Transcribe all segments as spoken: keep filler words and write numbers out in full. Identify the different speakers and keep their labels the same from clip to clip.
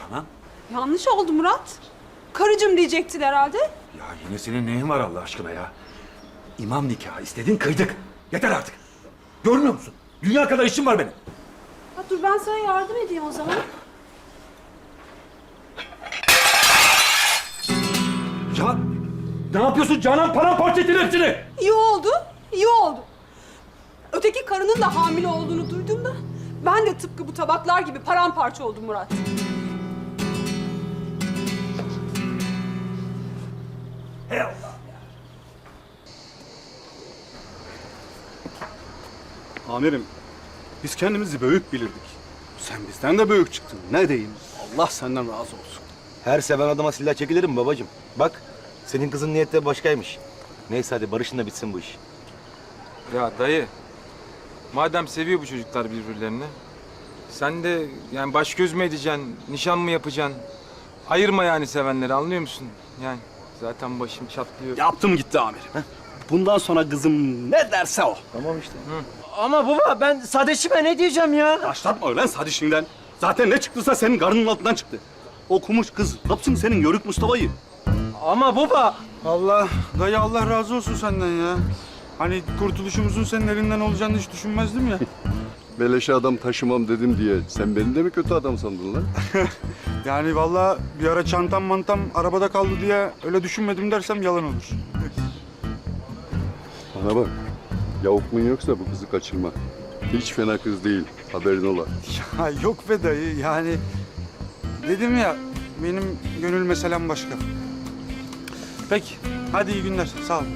Speaker 1: Canan?
Speaker 2: Yanlış oldu Murat. Karıcığım diyecektin herhalde.
Speaker 1: Ya yine senin neyin var Allah aşkına ya? İmam nikahı istedin, kıydık. Yeter artık. Görmüyor musun? Dünya kadar işim var benim.
Speaker 2: Ha, dur ben sana yardım edeyim o zaman.
Speaker 1: Ya ne yapıyorsun Canan? Paramparça ettin hepsini.
Speaker 2: İyi oldu, iyi oldu. Öteki karının da hamile olduğunu duyduğumda ben de tıpkı bu tabaklar gibi paramparça oldum Murat.
Speaker 1: Hey Allah.
Speaker 3: Amirim, biz kendimizi büyük bilirdik. Sen bizden de büyük çıktın. Ne diyeyim? Allah senden razı olsun.
Speaker 4: Her seven adama silah çekilir mi babacığım? Bak, senin kızın niyeti başkaymış. Neyse hadi barışın da bitsin bu iş.
Speaker 5: Ya dayı, madem seviyor bu çocuklar birbirlerini, sen de yani baş göz mü edeceksin, nişan mı yapacaksın? Ayırma yani sevenleri, anlıyor musun? Yani zaten başım çatlıyor.
Speaker 3: Yaptım gitti amirim. Bundan sonra kızım ne derse o.
Speaker 4: Tamam işte.
Speaker 6: Ama baba ben Sadeş'ime ne diyeceğim ya?
Speaker 3: Başlatma öyle sadişinden. Zaten ne çıktıysa senin karnının altından çıktı. Okumuş kız, kapsın senin Yörük Mustafa'yı.
Speaker 6: Ama baba.
Speaker 7: Allah, dayı Allah razı olsun senden ya. Hani kurtuluşumuzun senin elinden olacağını hiç düşünmezdim ya.
Speaker 8: Beleşe adam taşımam dedim diye sen beni de mi kötü adam sandın lan?
Speaker 7: Yani vallahi bir ara çantam mantam arabada kaldı diye öyle düşünmedim dersem yalan olur.
Speaker 8: Bana bak, yavukluğun yoksa bu kızı kaçırma. Hiç fena kız değil, haberin ola.
Speaker 7: Ya yok be dayı yani dedim ya benim gönül meselem başka. Peki, hadi iyi günler, sağ ol.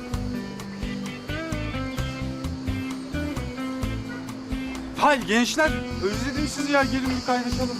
Speaker 7: Hay gençler, özledim sizi ya, gelin bir kaynaşalım.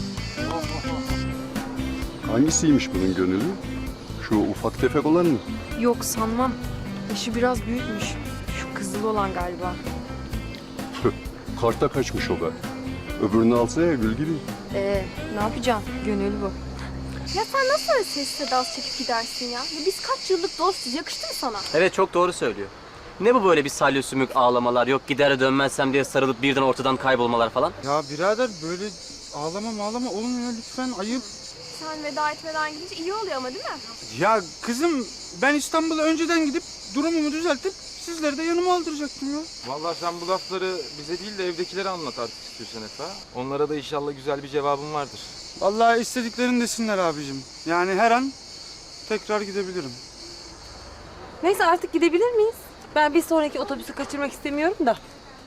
Speaker 8: Hangisiymiş bunun gönülü? Şu ufak tefek olan mı?
Speaker 9: Yok sanmam. Yaşı biraz büyükmüş. Şu kızılı olan galiba.
Speaker 8: Tüh, karta kaçmış o be. Öbürünü alsa ya gül gibi.
Speaker 9: Ee, ne yapacağım? Gönül bu.
Speaker 10: Ya sen nasıl öyle sessiz sedasız çekip gidersin ya? Ya biz kaç yıllık dostuz, yakıştı mı sana?
Speaker 6: Evet çok doğru söylüyor. Ne bu böyle bir salya sümük ağlamalar, yok gider dönmezsem diye sarılıp birden ortadan kaybolmalar falan?
Speaker 7: Ya birader böyle ağlama mağlama olmuyor lütfen, ayıp.
Speaker 10: Sen veda etmeden gidince iyi oluyor ama değil mi?
Speaker 7: Ya kızım ben İstanbul'a önceden gidip durumumu düzeltip sizleri de yanıma aldıracaktım ya.
Speaker 5: Vallahi sen bu lafları bize değil de evdekilere anlat artık istiyorsan Efe. Onlara da inşallah güzel bir cevabın vardır.
Speaker 7: Vallahi istediklerini desinler abicim. Yani her an tekrar gidebilirim.
Speaker 2: Neyse artık gidebilir miyiz? Ben bir sonraki otobüsü kaçırmak istemiyorum da.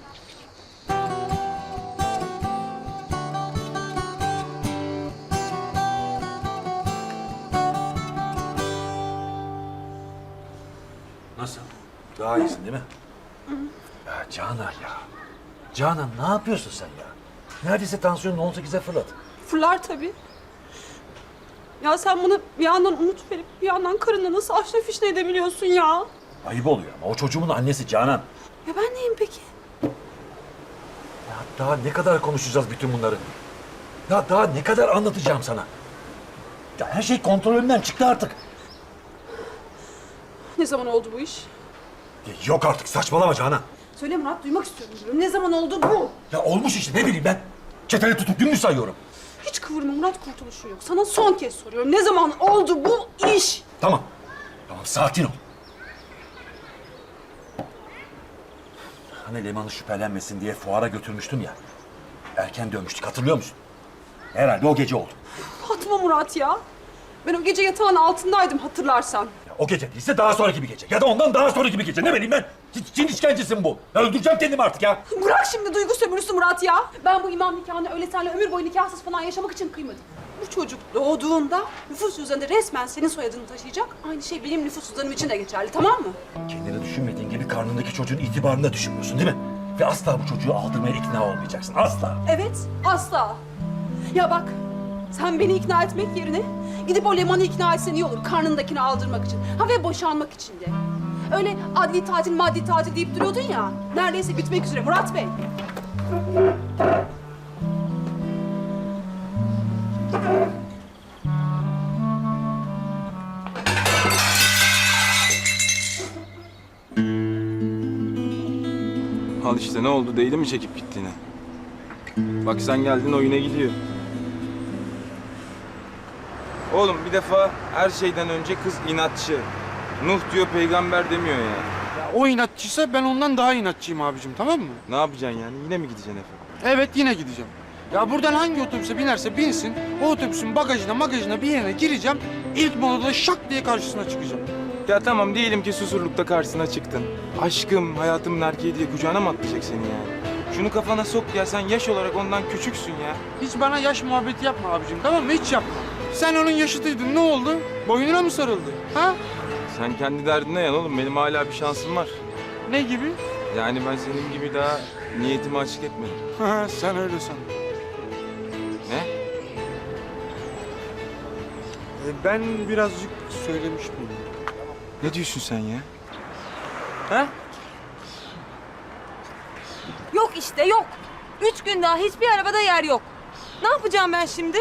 Speaker 1: Nasıl? Daha iyisin değil mi? Ya Canan ya. Canan ne yapıyorsun sen ya? Neredeyse tansiyonun on sekize fırladı.
Speaker 2: Fırlar tabii. Ya sen bunu bir yandan umut verip bir yandan karınla nasıl aşna fişne edebiliyorsun ya?
Speaker 1: Ayıp oluyor ama o çocuğumun annesi Canan.
Speaker 2: Ya ben neyim peki?
Speaker 1: Ya daha ne kadar konuşacağız bütün bunları? Ya daha ne kadar anlatacağım sana? Ya her şey kontrolümden çıktı artık.
Speaker 2: Ne zaman oldu bu iş?
Speaker 1: Ya yok artık saçmalama Canan.
Speaker 2: Söyle Murat, duymak istiyorum diyorum. Ne zaman oldu bu?
Speaker 1: Ya olmuş işte ne bileyim ben. Çeteli tutup gün mü sayıyorum?
Speaker 2: Hiç kıvırma Murat, kurtuluşu yok. Sana son kez soruyorum. Ne zaman oldu bu iş?
Speaker 1: Tamam. Tamam sakin ol. Hani Leman'ı şüphelenmesin diye fuara götürmüştüm ya. Erken dönmüştük hatırlıyor musun? Herhalde o gece oldu.
Speaker 2: Atma Murat ya. Ben o gece yatağın altındaydım hatırlarsan.
Speaker 1: Ya o gece değilse daha sonraki bir gece. Ya da ondan daha sonraki bir gece. Ne bileyim ben. Çin işkencesi mi bu? Ya öldüreceğim kendimi artık ya.
Speaker 2: Bırak şimdi duygu sömürüsü Murat ya. Ben bu imam nikahını öyle seninle ömür boyu nikahsız falan yaşamak için kıymadım. Bu çocuk doğduğunda nüfus cüzdanında resmen senin soyadını taşıyacak. Aynı şey benim nüfus cüzdanım için de geçerli, tamam mı?
Speaker 1: Kendini düşünmediğin gibi karnındaki çocuğun itibarını da düşünmüyorsun değil mi? Ve asla bu çocuğu aldırmaya ikna olmayacaksın. Asla.
Speaker 2: Evet, asla. Ya bak, sen beni ikna etmek yerine gidip o Leman'ı ikna etsen iyi olur. Karnındakini aldırmak için. Ha ve boşanmak için de. Öyle adli tatil, maddi tatil deyip duruyordun ya. Neredeyse bitmek üzere Murat Bey.
Speaker 5: Al işte ne oldu, değil mi çekip gittiğine? Bak sen geldin, o yine gidiyor. Oğlum bir defa her şeyden önce kız inatçı. Nuh diyor peygamber demiyor yani.
Speaker 7: Ya o inatçıysa ben ondan daha inatçıyım abicim, tamam mı?
Speaker 5: Ne yapacaksın yani? Yine mi gideceksin Efe?
Speaker 7: Evet, yine gideceğim. Ya buradan hangi otobüse binerse binsin, o otobüsün bagajına magajına bir yerine gireceğim. İlk molada şak diye karşısına çıkacağım.
Speaker 5: Ya tamam diyelim ki Susurluk'ta karşısına çıktın. Aşkım, hayatımın erkeği diye kucağına mı atlayacak seni yani? Şunu kafana sok ya, sen yaş olarak ondan küçüksün ya.
Speaker 7: Hiç bana yaş muhabbeti yapma abicim, tamam mı? Hiç yapma. Sen onun yaşıtıydın, ne oldu? Boynuna mı sarıldı? Ha?
Speaker 5: Sen kendi derdine yan oğlum, benim hala bir şansım var.
Speaker 7: Ne gibi?
Speaker 5: Yani ben senin gibi daha niyetimi açık etmedim.
Speaker 7: Ha, sen öyle san.
Speaker 5: Ne?
Speaker 7: E, ben birazcık söylemiş miyim?
Speaker 5: Ne diyorsun sen ya?
Speaker 9: Ha? Yok işte yok. Üç gün daha hiçbir arabada yer yok. Ne yapacağım ben şimdi?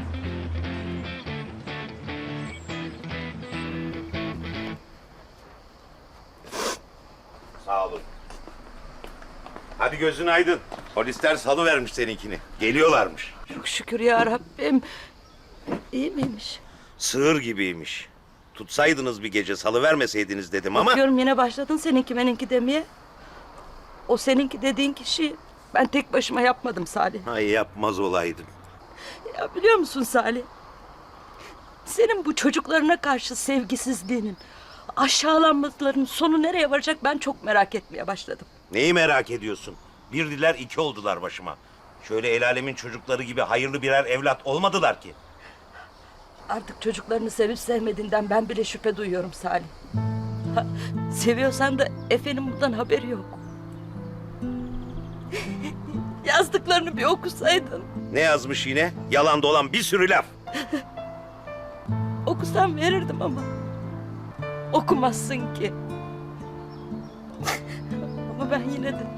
Speaker 11: Sağ olun. Hadi gözün aydın. Polisler salıvermiş seninkini. Geliyorlarmış.
Speaker 9: Çok şükür ya Rabbim. İyi miymiş?
Speaker 11: Sığır gibiymiş. Tutsaydınız bir gece salıvermeseydiniz dedim ama...
Speaker 9: Bakıyorum yine başladın seninki meninki demeye. O seninki dediğin kişi ben tek başıma yapmadım Salih.
Speaker 11: Ay yapmaz olaydım.
Speaker 9: Ya biliyor musun Salih? Senin bu çocuklarına karşı sevgisizliğinin, aşağılanmalarının sonu nereye varacak ben çok merak etmeye başladım.
Speaker 11: Neyi merak ediyorsun? Bir diler iki oldular başıma. Şöyle el alemin çocukları gibi hayırlı birer evlat olmadılar ki.
Speaker 9: Artık çocuklarını sevip sevmediğinden ben bile şüphe duyuyorum Salih. Ha, seviyorsan da Efe'nin bundan haberi yok. Yazdıklarını bir okusaydın.
Speaker 11: Ne yazmış yine? Yalan dolan bir sürü laf.
Speaker 9: Okusam verirdim ama okumazsın ki. Ama ben yine de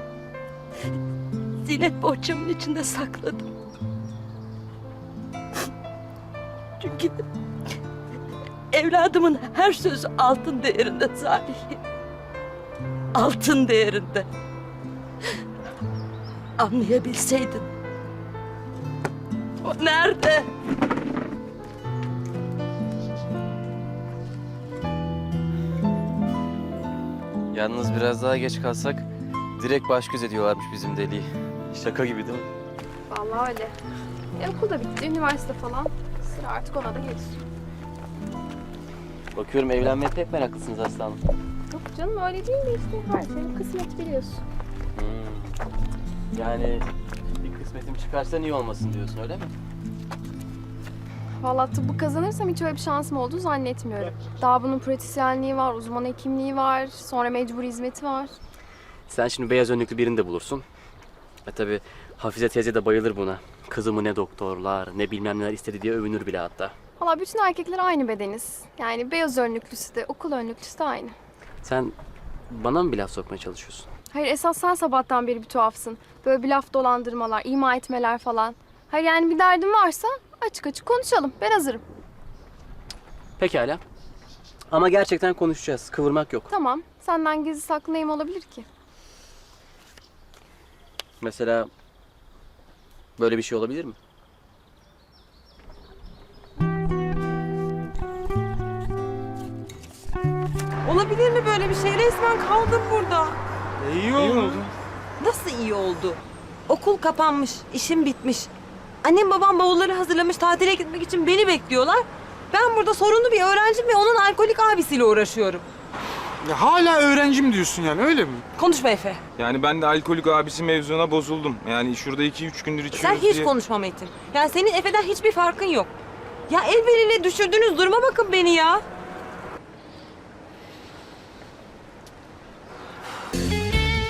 Speaker 9: zinet bohçamın içinde sakladım. Çünkü evladımın her sözü altın değerinde Salih. Altın değerinde. Anlayabilseydin. O nerede?
Speaker 6: Yalnız biraz daha geç kalsak direkt baş göz ediyorlarmış bizim deliği. Şaka gibi değil mi?
Speaker 10: Vallahi öyle. E, okul da bitti, üniversite falan. Sıra artık ona da gelir.
Speaker 6: Bakıyorum evlenmeye pek meraklısınız aslanım.
Speaker 10: Yok canım öyle değil de işte her şeyin kısmet biliyorsun.
Speaker 6: Hmm. Yani bir kısmetim çıkarsa niye olmasın diyorsun öyle mi?
Speaker 10: Vallahi tıbbı kazanırsam hiç öyle bir şansım olduğunu zannetmiyorum. Daha bunun pratisyenliği var, uzman hekimliği var, sonra mecburi hizmeti var.
Speaker 6: Sen şimdi beyaz önlüklü birini de bulursun. E tabi Hafize teyze de bayılır buna. Kızımı ne doktorlar ne bilmem neler istedi diye övünür bile hatta.
Speaker 10: Vallahi bütün erkekler aynı bedeniz. Yani beyaz önlüklüsü de, okul önlüklüsü de aynı.
Speaker 6: Sen bana mı bir laf sokmaya çalışıyorsun?
Speaker 10: Hayır esas sen sabahtan beri bir tuhafsın. Böyle bir laf dolandırmalar, ima etmeler falan. Hayır yani bir derdin varsa açık açık konuşalım. Ben hazırım.
Speaker 6: Pekala. Ama gerçekten konuşacağız. Kıvırmak yok.
Speaker 10: Tamam. Senden gizli saklı neyim olabilir ki?
Speaker 6: Mesela böyle bir şey olabilir mi?
Speaker 9: Olabilir mi böyle bir şey? Resmen kaldım burada.
Speaker 7: E, iyi oldu.
Speaker 9: Nasıl iyi oldu? Okul kapanmış, işim bitmiş. Annem babam bavulları hazırlamış, tatile gitmek için beni bekliyorlar. Ben burada sorunlu bir öğrencim ve onun alkolik abisiyle uğraşıyorum.
Speaker 7: Ya hala öğrencim diyorsun yani, öyle mi?
Speaker 9: Konuşma Efe.
Speaker 5: Yani ben de alkolik abisi mevzuna bozuldum. Yani şurada iki üç gündür içiyoruz
Speaker 9: Sen hiç
Speaker 5: diye...
Speaker 9: konuşma Metin. Yani senin Efe'den hiçbir farkın yok. Ya el biriyle düşürdüğünüz duruma bakın beni ya.